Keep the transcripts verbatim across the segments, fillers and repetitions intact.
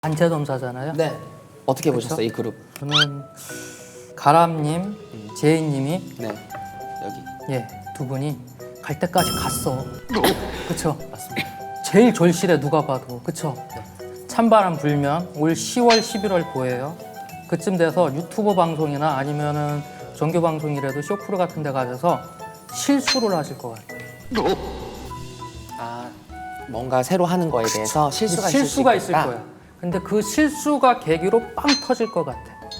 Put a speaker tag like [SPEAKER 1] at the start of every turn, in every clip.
[SPEAKER 1] 단체 검사잖아요.
[SPEAKER 2] 네. 어떻게
[SPEAKER 1] 그쵸?
[SPEAKER 2] 보셨어요, 이 그룹?
[SPEAKER 1] 저는 가람님,
[SPEAKER 2] 음.
[SPEAKER 1] 제이님이
[SPEAKER 2] 네. 여기.
[SPEAKER 1] 예, 두 분이 갈 때까지 갔어. 그쵸?
[SPEAKER 2] 맞습니다.
[SPEAKER 1] 제일 절실해 누가 봐도. 그쵸? 찬바람 불면 올 시월, 십일월 보여요. 그쯤 돼서 유튜브 방송이나 아니면은 정규 방송이라도 쇼프로 같은 데 가셔서 실수를 하실 것 같아요.
[SPEAKER 2] 아, 뭔가 새로 하는 거에 대해서 실수가, 있을 수
[SPEAKER 1] 실수가 있을
[SPEAKER 2] 있겠다.
[SPEAKER 1] 거야. 근데 그 실수가 계기로 빵 터질 것 같아.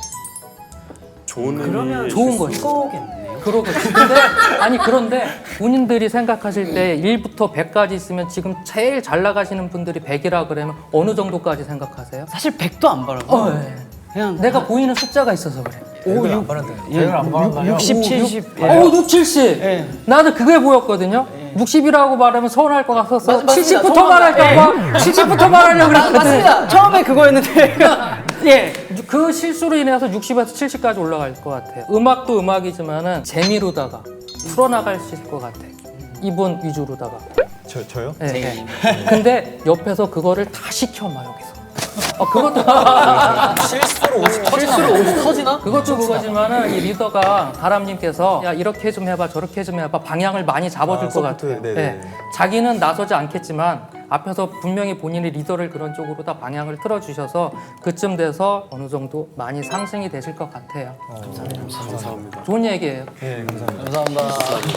[SPEAKER 3] 좋은
[SPEAKER 4] 그러면
[SPEAKER 1] 좋은 거지.
[SPEAKER 4] 거겠네요.
[SPEAKER 1] 그러거든. 근데 아니 그런데 본인들이 생각하실 때 일부터 백까지 있으면 지금 제일 잘 나가시는 분들이 백이라 그러면 어느 정도까지 생각하세요?
[SPEAKER 4] 사실 백도 안 바라고.
[SPEAKER 1] 어, 예.
[SPEAKER 4] 그냥
[SPEAKER 1] 내가 보이는 숫자가 있어서 그래.
[SPEAKER 4] 오, 육,
[SPEAKER 3] 제가 안 바란다요?
[SPEAKER 4] 육십, 칠십. 예.
[SPEAKER 1] 어, 육, 칠십.
[SPEAKER 4] 예.
[SPEAKER 1] 나도 그게 보였거든요. 육십이라고 말하면 서운할 것 같았어.
[SPEAKER 4] 맞- 맞습니다.
[SPEAKER 1] 칠십부터
[SPEAKER 4] 서운하다.
[SPEAKER 1] 말할까 봐. 칠십부터 말하려고 그랬거든.
[SPEAKER 4] 맞습니다. 처음에 그거였는데. 예.
[SPEAKER 1] 그 실수로 인해서 육십에서 칠십까지 올라갈 것 같아요. 음악도 음악이지만은 재미로다가 풀어나갈 수 있을 것 같아. 이분 위주로다가.
[SPEAKER 3] 저, 저요?
[SPEAKER 1] 예, 예. 근데 옆에서 그거를 다 시켜놔 여기서. 어, 그것도
[SPEAKER 3] 실수로 오십
[SPEAKER 1] 실수로 오십 터지나? 그것도 그거지만은 이 리더가 가람님께서 야 이렇게 좀 해봐 저렇게 좀 해봐 방향을 많이 잡아줄
[SPEAKER 3] 아,
[SPEAKER 1] 것
[SPEAKER 3] 서포트,
[SPEAKER 1] 같아요.
[SPEAKER 3] 네네.
[SPEAKER 1] 예. 자기는 나서지 않겠지만 앞에서 분명히 본인이 리더를 그런 쪽으로 다 방향을 틀어주셔서 그쯤 돼서 어느 정도 많이 상승이 되실 것 같아요.
[SPEAKER 3] 감사합니다.
[SPEAKER 1] 좋은 얘기예요.
[SPEAKER 3] 네, 감사합니다.
[SPEAKER 4] 감사합니다.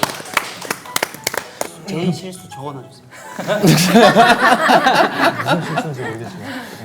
[SPEAKER 4] 제일 실수 적어놔주세요.
[SPEAKER 3] 무슨 실수인지 모르겠지만.